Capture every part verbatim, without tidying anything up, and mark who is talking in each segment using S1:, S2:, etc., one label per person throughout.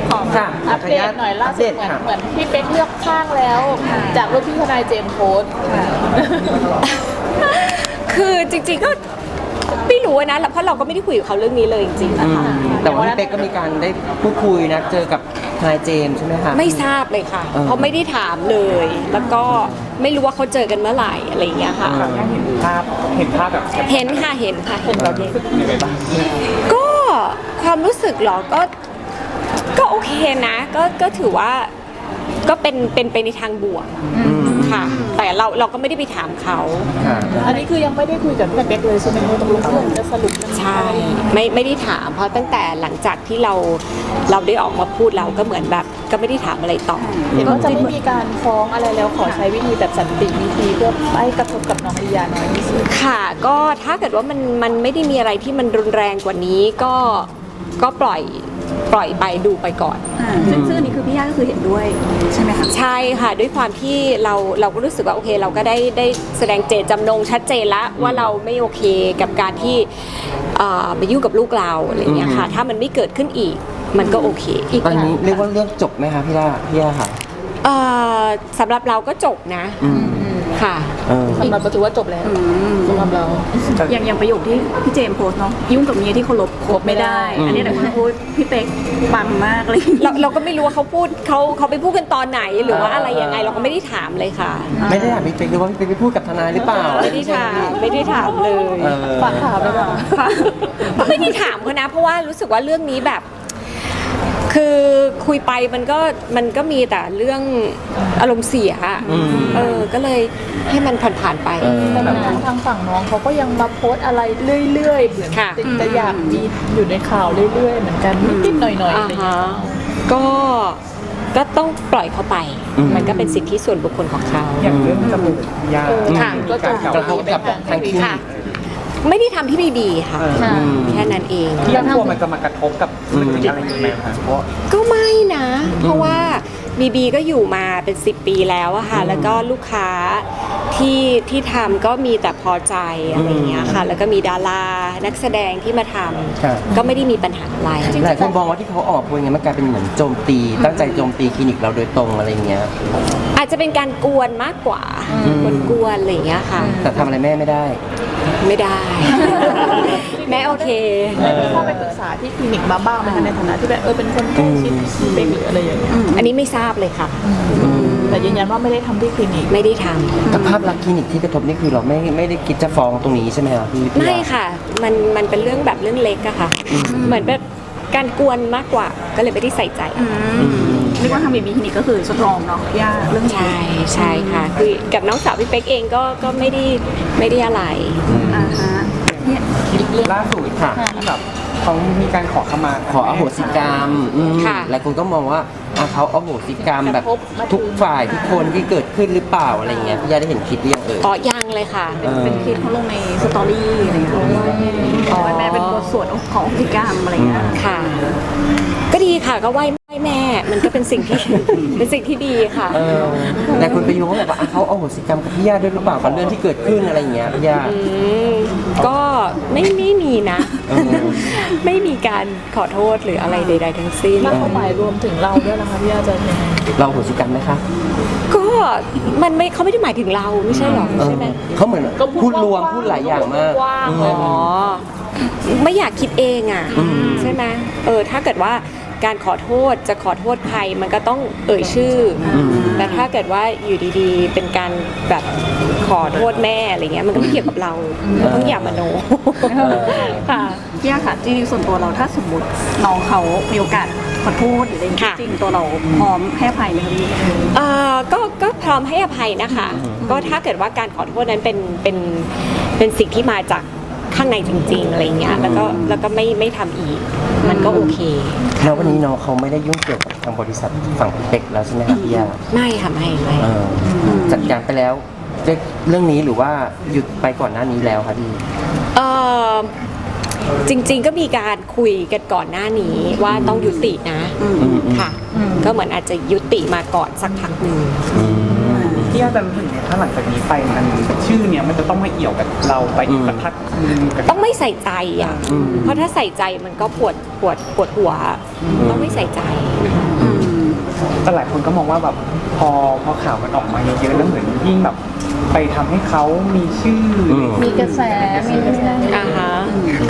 S1: ของ
S2: ค่ะ
S1: อัปเดตหน่อยล่าสุดเหมือนเหมือนพี่เป๊กเลือกข้างแล้ว จากรูปที่ทนายเจมส์โพสต์
S3: คือจริงๆก็ไม่รู้นะเพราะเราก็ไม่ได้คุยกับเขาเรื่องนี้เลยจริงๆนะคะ
S2: แต่ว่าพี่เป๊กก็มีการได้พูดคุยนะเจอกับทนายเจมส์ใช่ไหมคะ
S3: ไม่ทราบเลยค่ะ
S2: เออ
S3: เพราะไม่ได้ถามเลย แล้วก็ไม่รู้ว่าเขาเจอกันเมื่อไหร่อะไรอย่างเงี้ยค่ะ
S4: เห็นภาพเห็นภาพแบบ
S3: เห็นค่ะเห็นค่ะเห็น
S4: เรารู้สึกยังไงบ้าง
S3: ก็ความรู้สึกเหรอก็ก็โอเคนะ ก็ก็ถือว่าก็เป็นเป็นไปในทางบวกค่ะ แต่เราเราก็ไม่ได้ไปถามเขา
S2: ค่ะ
S1: อันนี้คือยังไม่ได้คุยกับพี่เป๊กเลยใช่ไหมว่าตกลงเรื่องจะสรุปยังไง
S3: ใช่ไม่ไม่ได้ถามเพราะตั้งแต่หลังจากที่เราเราได้ออกมาพูดเราก็เหมือนแบบก็ไม่ได้ถามอะไรต่อ
S1: เห็นว่าจะไม่มีการฟ้องอะไรแล้วขอใช้วิธีแบบสันติวิธีเพื่อไม่กระทบกับน้องลียาน้อยที่สุด
S3: ค่ะก็ถ้าเกิดว่ามันมันไม่ได้มีอะไรที่มันรุนแรงกว่านี้ก็ก็ปล่อยปล่อยไปดูไปก่อน
S5: อ่าซึ่งซึ่งอันนี้คือพี่ย่าก็คือเห็นด้วยใช่ไหมคะ
S3: ใช่ค่ะด้วยความที่เราเราก็รู้สึกว่าโอเคเราก็ได้ได้แสดงเจตจำนงชัดเจนแล้วว่าเราไม่โอเคกับการที่เอ่อไปยุ่งกับลูกเราอะไรอย่างเงี้ยค่ะถ้ามันไม่เกิดขึ้นอีกมันก็โอเคอีก
S2: ตอนนี้เรียกว่าเรื่องจบไหมคะพี่ล่าพี่ย่าค่ะ
S3: เอ่อสำหรับเราก็จบนะ
S2: อืม
S3: ค่ะ
S2: เออ
S1: สำหรับเราถือว่าจบแล้วสำหรับเรา
S5: อย่างอย่างประโยคที่พี่เจมส์โพสต์เนาะยุ่งกับเมียที่เคารพคบไม่ได้
S2: อืม
S5: อันนี้แต่คนพูดพี่เป๊กปังมากเลย
S3: เราเราก็ไม่รู้ว่าเขาพูดเขาเขาไปพูดกันตอนไหนหรือว่าอะไรยังไงเราก็ไม่ได้ถามเลยค่ะ
S2: ไม่ได้ถามพี่เป๊กหรือว่าพี่เป๊กไปพูดกับทนายหรือเปล่า
S3: ไม่ได้ถามไม่ได้ถามเลย
S2: เออ
S1: ฝากถามไปก่อน
S3: ก็ไม่ได้ถามเขานะ เพราะว่ารู้สึกว่าเรื่องนี้แบบ คือคุยไปมันก็มันก็มีแต่เรื่องอารมณ์เสียอะ
S2: อืม
S3: เออก็เลยให้มันผ่านๆไป
S2: เออ
S1: แต่ทางทางฝั่งน้องเขาก็ยังมาโพสต์อะไรเรื่อยๆเหมือน
S3: ค่ะ
S1: จะอยากมีอยู่ในข่าวเรื่อยๆเหมือนกันนิดๆหน่อยๆอะไรอย่างเงี้ย
S3: ก็ก็ต้องปล่อยเขาไป
S2: อืม
S3: มันก็เป็นสิทธิส่วนบุคคลของเขา
S4: อย่างเรื่องจมูกยา
S3: ค่ะ
S1: ก็จะ
S2: กระทบกับทางคลินิ
S3: ค่ะ
S2: ก
S3: ไม่ได้ทำที่บีบีค่ะ
S1: ค่ะ
S2: อืม
S3: แค่นั้นเอง
S4: ที่ยังกลัวมันจะมากระทบกับธุรกิจอะไรอย่างเงี้ยคะเพราะ
S3: ก็ไม่นะ เพราะว่าบีบีก็อยู่มาเป็นสิบปีแล้วอะค่ะ แล้วก็ลูกค้าที่ที่ทำก็มีแต่พอใจอะไรอย่างเงี้ยค่ะ แล้วก็มีดารานักแสดงที่มาท
S2: ครับ
S3: ำก็ไม่ได้มีปัญหาอะไร
S2: หลายคนมองว่าที่เขาออกมาพูดอย่างเงี้ยมันกลายเป็นเหมือนโจมตี ตั้งใจโจมตีคลินิกเราโดยตรงอะไรอย่างเงี้ย
S3: อาจจะเป็นการกวนมากกว่า
S2: อืม
S3: กวนๆอะไรอย่างเงี้ยค่ะ
S2: แต่ทำอะไรแม่ไม่ได้
S3: ไม่ได้ แม่โอเค
S1: ได้มีเข้าไปปรึกษาที่คลินิกมาบ้างไหมคะในฐานะที่แบบเออเป็นคนใกล้ชิดพี่เป๊กหรืออะไรอย่างเงี้ย
S3: อันนี้ไม่ทราบเลยค่ะ
S1: แต่ยืนยันว่าไม่ได้ทำที่คลินิก
S3: ไม่ได้ทำ
S2: กับภาพลักษณ์คลินิกที่กระทบนี่คือเราไม่ไม่ได้คิดจะฟ้องตรงนี้ใช่ไหมครับพี่พี่
S3: ไม่
S2: ย่า
S3: ค่ะ มันมันเป็นเรื่องแบบเรื่องเล็กอะค่ะ เหมือนแบบการกวนมากกว่า ก็เลยไม่ได้ใส่ใจ
S5: เรียกว่าทำบีบีคลินิกก็คือสตรองเนาะพี่ย่าเรื่องนี้
S3: ใช่ใช่ค่ะ คือกับน้องสาวพี่เป๊กเองก็ก็ไม่ได้ไม่ได้อะไร
S5: อ่าฮะเนี่ย
S4: ล่าสุด
S2: ค่ะ
S4: ที่แบบเขามีการขอขมา
S2: ขออโหสิกรรมอืม
S3: ค่ะ
S2: หลายคนก็มองว่าอ่ะเขาอโหสิกรรมแบบ
S1: กระทบมาถึง
S2: ทุกฝ่ายทุกคนที่เกิดขึ้นหรือเปล่าอะไรเงี้ยพี่ย่าได้เห็นคลิปหรือยังเอ่ย
S3: อ๋อยังเลยค่ะ
S2: เออ
S5: เป็นคลิปเขาลงในสตอรี่อะไรอย่างเงี้ยอ๋อแม่เป็นบทสวดของพิกรรมอะไรอย่างเงี้ย
S3: ค่ะ ก็ดีค่ะก็ไหว้ไหว้แม่ มันก็เป็นสิ่งที่ เป็นสิ่งที่ดีค่ะ
S2: เออหลายคนไปโยงว่าแบบว่าอ่ะเขาอโหสิกรรมกับพี่ย่าด้วยหรือเปล่ากับเรื่องที่เกิดขึ้นอะไรเงี้ยพี่ย่า
S3: อืมก็ไม่ไม่มีนะ
S2: เออ
S3: ไม่มีการขอโทษหรืออะไรใด ๆ ทั้งสิ้น
S1: แล้วเขาหมายรวมถึงเราด้วยนะคะพี่อาจารย์ยังไง
S2: เราอโหสิกรรมไหมคะ
S3: ก็มันไม่เขาไม่ได้หมายถึงเราไม่ใช่หรอ
S2: เออ
S3: ใช่ไหม
S2: เขาเหมือน
S1: ก็พูด
S2: พูดรวม
S1: กว้างๆ
S2: พูดหลายอย่างมาก
S1: กว้างๆ
S2: อืม
S1: เลย
S3: อ๋อไม่อยากคิดเองอ่ะ
S2: อืม
S3: ใช่ไหมเออถ้าเกิดว่าการขอโทษจะขอโทษใครมันก็ต้องเอ่ยชื่ออแต่ถ้าเกิดว่าอยู่ดีๆ เป็นการแบบขอโทษแม่อะไรเงี้ยมันก็ไม่เกี่ยวกับเราเราต้องอย่ามโนค่ะ
S5: พี่ย่าค่ะจริงๆส่วนตัวเราถ้าสมมติน้องเขามีโอกาสขอโทษหรืออะไรอย่างเงี้ย
S3: ค่ะ
S5: จริงๆตัวเราพร้อมให้อภัยไหมคะพี่
S3: เอ่อก็ก็พร้อมให้อภัยนะคะ ก็ถ้าเกิดว่าการขอโทษนั้นเป็นเป็นเป็นสิ่งที่มาจากข้างในจริงๆอะไรเงี้ยแล้วก็แล้วก็ไม่ไม่ทำอีก มันก็โอเค
S2: แล้ววันนี้น้องเขาไม่ได้ยุ่งเกี่ยวกับทางบริษัทฝั่งพี่เป็กแล้วใช่ไหมครับพี่ย่า
S3: ไม่ค่ะไม่ไม่
S2: เออจัดการไปแล้วด้วยเรื่องนี้หรือว่าหยุดไปก่อนหน้านี้แล้วครับพี่
S3: เออจริงๆก็มีการคุยกันก่อนหน้านี้ว่าต้องยุตินะ
S2: อืม
S3: ค่ะ ก็เหมือนอาจจะยุติมาก่อนสักพักหนึ่ง
S2: อืม
S1: จ
S4: พี่ย่าจะรู้สึกไงถ้าหลังจากนี้ไปมันชื่อเนี้ยมันจะต้องมาเอี่ยวกับเราไปอีกสักพักนึงกับ
S3: ต้องไม่ใส่ใจอ่ะ
S2: อืม
S3: เพราะถ้าใส่ใจมันก็ปวดปวดปวดหัว ต้องไม่ใส่ใจ
S4: แต่หลายคนก็มองว่าแบบพอพอข่าวมันออกมาเยอะๆแล้วเหมือนยิ่งแบบไปทำให้เขามีชื่ออ
S2: ม
S1: มีกระแสมีกระแส
S3: อ่าฮะก็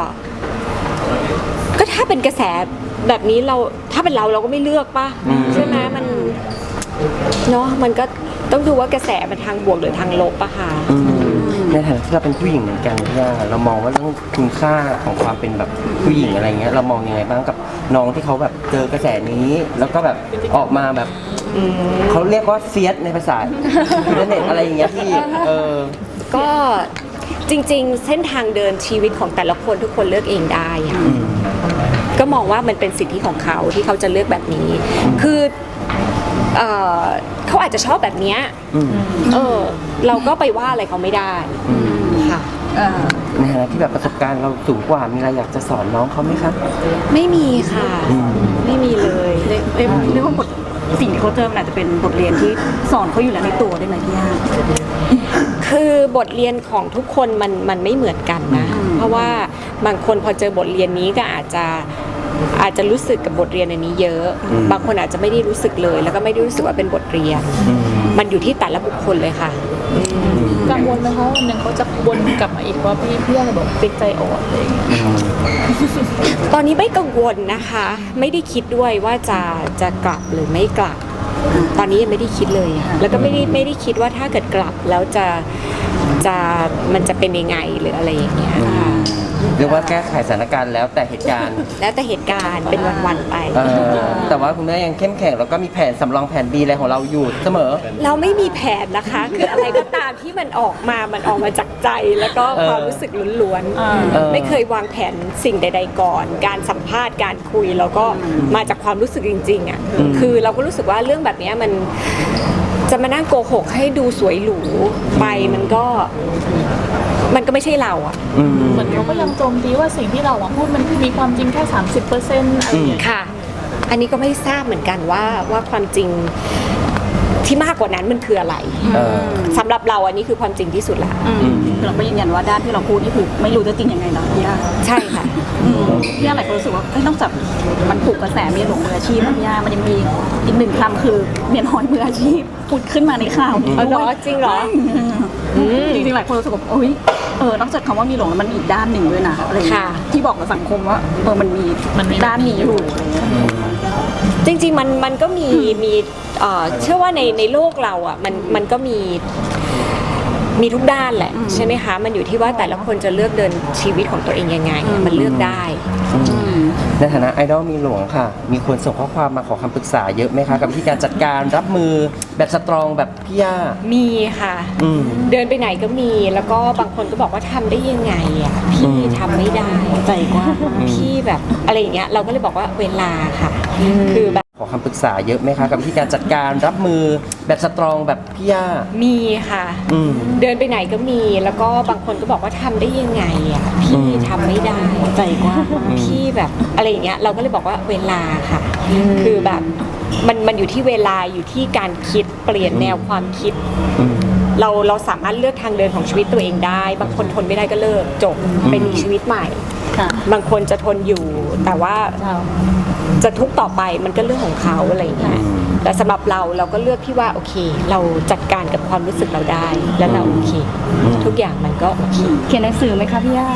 S3: ก็ถ้าเป็นกระแสแบบนี้เราถ้าเป็นเราเราก็ไม่เลือกป่ะ
S2: อืม
S3: ใช่ไหมมันเนาะมันก็ต้องดูว่ากระแสมันทางบวกหรือทางลบอะค่ะ
S2: อืมในฐานะที่เราเป็นผู้หญิงเหมือนกันพี่ย่าเรามองว่าเรื่องคุณค่าของความเป็นแบบผู้หญิงอะไรเงี้ยเรามองยังไงบ้างกับน้องที่เขาแบบเจอกระแสนี้ แล้วก็แบบออกมาแบบเขาเรียกว่าเฟียสในภาษาอินเทอร์เน็ตอะไรอย่างเงี้ยพี่เออ
S3: ก็จริงๆ เส้นทางเดินชีวิตของแต่ละคนทุกคนเลือกเองได้ค่ะ
S2: อืม
S3: ก็มองว่ามันเป็นสิทธิของเขาที่เขาจะเลือกแบบนี้ คือเอ่อเขาอาจจะชอบแบบเนี้ย
S2: อืม
S3: เออ เราก็ไปว่าอะไรเขาไม่ได้ค่ะ
S2: ในฐานะที่แบบประสบการณ์เราสูงกว่ามีอะไรอยากจะสอนน้องเขาไหมครับ
S3: ไม่มีค่ะ
S2: อืม
S3: ไม่มีเลย
S5: เรียกเรียกเรียกว่าบทสิ่งที่เขาเจอมันอาจจะเป็นบทเรียนที่สอนเขาอยู่แล้วในตัวได้ไหมพี่ย่า
S3: คือบทเรียนของทุกคนมันมันไม่เหมือนกันนะ เพราะว่าบางคนพอเจอบทเรียนนี้ก็อาจจะอาจจะรู้สึกกับบทเรียนอันนี้เยอะ
S2: อืม
S3: บางคนอาจจะไม่ได้รู้สึกเลย แล้วก็ไม่ได้รู้สึกว่าเป็นบทเรียน
S2: อืม
S3: มันอยู่ที่แต่ละบุคคลเลยค่ะ
S1: กังวลไหมคะวันหนึ่งเขาจะวนกลับมาอีกว่าพี่พี่อะไรบอกเป็นใจอ่อนอะไรอย่างเงี้ย
S2: อืม
S3: ตอนนี้ไม่กังวลนะคะ ไม่ได้คิดด้วยว่าจะจะกลับหรือไม่กลับ ตอนนี้ยังไม่ได้คิดเลยอะแล้วก็ไม่ได้ไม่ได้คิดว่าถ้าเกิดกลับแล้วจะจะมันจะเป็นยังไงหรืออะไรอย่างเงี้ยค่ะ
S2: เรียกว่าแก้ไขสถานการณ์แล้วแต่เหตุการณ์
S3: แล้วแต่เหตุการณ์เป็นวันๆไป
S2: เออแต่ว่าคุณแม่ยังเข้มแข็งแล้วก็มีแผนสำรองแผน B อะไรของเราอยู่เสมอ
S3: เราไม่มีแผนนะคะ คืออะไรก็ตามที่มันออกมา มันออกมาจากใจแล้วก็
S2: เออ
S3: ความรู้สึกล้วน
S2: เออ
S3: ๆไม่เคยวางแผนสิ่งใด ๆ ก่อน การสัมภาษณ์การคุยแล้วก็มาจากความรู้สึกจริงๆอ่ะคือเราก็รู้สึกว่าเรื่องแบบเนี้ยมันจะมานั่งโกหกให้ดูสวยหรูไปมันก็มันก็ไม่ใช่เราอ่ะ
S2: อืม
S1: เหมือนเขาก็ยังโจมตีว่าสิ่งที่เราอะพูดมันมีความจริงแค่สามสิบเปอร์เซ็นต์อะไรอย่างเงี้ย
S3: ค่ะ อันนี้ก็ไม่ทราบเหมือนกันว่าว่าความจริงที่มากกว่านั้นมันคืออะไร
S2: เออ
S3: สำหรับเราอันนี้คือความจริงที่สุดละ
S5: เราก็ยืนยันว่าด้านที่เราพูดนี่คือไม่รู้จะจริงยังไงเนาะพี่ย่า
S3: ใช่ค่ะ
S5: อืมพี่ย่าหลายคนรู้สึกว่าเอ้ยนอกจากมันถูกกระแสเมียหลวงมืออาชีพนะพี่ย่ามันยังมีอีกหนึ่งคำคือเมียน้อยมืออาชีพพูดขึ้นมาในข่าวนี้
S3: อ๋อเหรอ
S5: ด้วย
S3: จริงเหรอ
S5: อืมจริงๆหลายคนรู้สึกว่าโอ้ยเออนอกจากคำว่ามีหลวงแล้วมันมีอีกด้านหนึ่งด้วยนะอะไรอย่างเงี้ย
S3: ค่ะ
S5: ที่บอกกับสังคมว่าเออมันมี
S1: มันมี
S5: ด้านนี้อยู่อะไรอย่างเงี้ย
S3: จริงๆมันมันก็มีมีเอ่อเชื่อว่าในในโลกเราอ่ะมันมันก็มีมีทุกด้านแหละใช่ไหมคะมันอยู่ที่ว่าแต่ละคนจะเลือกเดินชีวิตของตัวเองยังไง มันเลือกได้
S2: ในฐานะไอดอลมีหลวงค่ะ มีคนส่งข้อความมาขอคำปรึกษาเยอะไหมคะ กับวิธีการจัดการรับมือแบบสตรองแบบพี่ย่า
S3: มีค่ะ
S2: อืม
S3: เดินไปไหนก็มีแล้วก็บางคนก็บอกว่าทำได้ยังไงอ่ะพี่
S2: อืม
S3: ทำไม่ได้
S5: ใจกว้าง
S3: พี่แบบอะไรอย่างเงี้ยเราก็เลยบอกว่าเวลาค่ะ คือแบบ
S2: ขอคำปรึกษาเยอะไหมคะ กับวิธีการจัดการรับมือแบบสตรองแบบพี่ย่า
S3: มีค่ะ
S2: อืม
S3: เดินไปไหนก็มีแล้วก็บางคนก็บอกว่าทำได้ยังไงอ่ะพี่
S2: อืม
S3: ทำไม่ได้
S5: ใจกว้าง
S3: พี่แบบอะไรอย่างเงี้ยเราก็เลยบอกว่าเวลาค่ะ คือแบบมันมันอยู่ที่เวลาอยู่ที่การคิดเปลี่ยนแนวความคิด
S2: อืม
S3: เราเราสามารถเลือกทางเดินของชีวิตตัวเองได้ บางคนทนไม่ได้ก็เลิกจบไปมีชีวิตใหม่
S5: ค่ะ
S3: บางคนจะทนอยู่ แต่ว่าจะทุกข์ต่อไปมันก็เรื่องของเขาอะไรอย่างเงี้ยแต่สำหรับเราเราก็เลือกที่ว่าโอเค เราจัดการกับความรู้สึกเราได้ แล้วเราโอเค ทุกอย่างมันก็โอเค
S5: เขียนหนังสือไหมคะพี่ย่า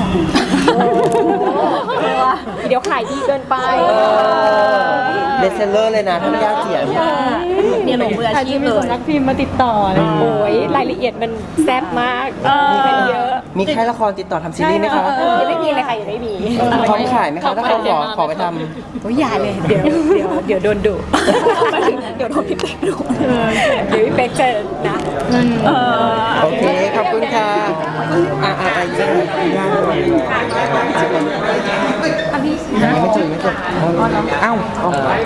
S3: เดี๋ยวขายดีเกินไป
S2: เบสเซลเลอร์เลยนะถ้าพี่ย่าเขียน
S5: เมียหลวงมืออาชีพเลย
S1: นักพิมพ์มาติดต่อเลย
S3: โอ้ยรายละเอียดมันแซ่บมากมันเยอะ
S2: มีค่ายละครติดต่อทำซีรีส์ไหมคะ
S3: ยังไม่มีเลยค่ะยังไม่มี
S2: พร้อมขายไหมคะถ้าเขาขอขอไปท
S3: โอ้ยอย่าเลยเดี๋ยวเดี๋ยวเดี๋ยวโดนดุ
S5: เดี๋ยวโดนพี่เป๊กดู
S3: เดี๋ยวพี่เป๊กจะนะ
S2: ำโอเค ขอบคุณค่ะ อ่าอ่าอ่าจะย่าไม่เจอไม่เจออ้าวอ๋อ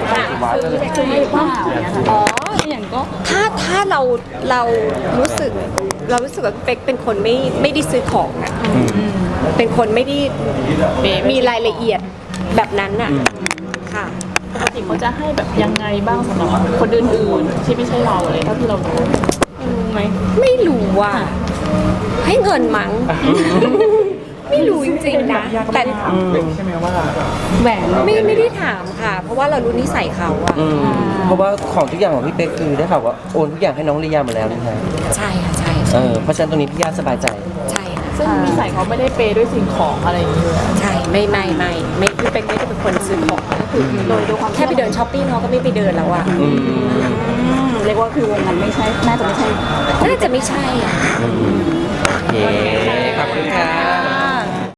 S3: อ๋ออย่างก็ถ้าถ้าเราเรารู้สึกเรารู้สึกว่าพี่เป๊กเป็นคนไม่ไม่ได้ซื้อของอะเป็นคนไม่ได้มีรายละเอียดแบบนั้นอะค่ะ
S1: ปกติเขาจะให้แบบยังไงบ้างสำหรับคนอื่นๆที่ไม่ใช่เราเลยเท่าที่เรารู้
S3: ยังไง
S5: ไหม
S3: ไม่รู้ว่า ให้เงินมั้ง ไม่รู้จริงๆนะ แต่
S4: ใช่ไหมว่า
S5: แหวน
S3: ไม่ไม่ได้ถามค่ะ เพราะว่าเรารู้นิสัยเขาอะ
S2: อืมเพราะว่าของทุกอย่างของพี่เป๊กคือได้ข่าวว่าโอนทุกอย่างให้น้องลียาหมดแล้วนะคะ
S3: ใช่ค่ะใช่
S2: เออเพราะฉะนั้นตรงนี้พี่ย่าสบายใจ
S3: ใช่ค่ะ
S1: ซึ่งนิสัยเขาไม่ได้เปย์ด้วยสิ่งของอะไรอย่างเงี้ย
S3: ใช่ไม่ไม่ไม่ไม่พี่เป็กไม่ได้เป็นคนซื้อของก็คือโดยโดยความแค่ไปเดินช้อปปิ้งเขาก็ไม่ไปเดินแล้วอะ
S2: อืม
S5: อืมเรียกว่าคือวงเงินไม่ใช่น่าจะไม่ใช่
S3: น่าจะไม่ใช่อะ
S2: โอเคขอบคุณค่ะ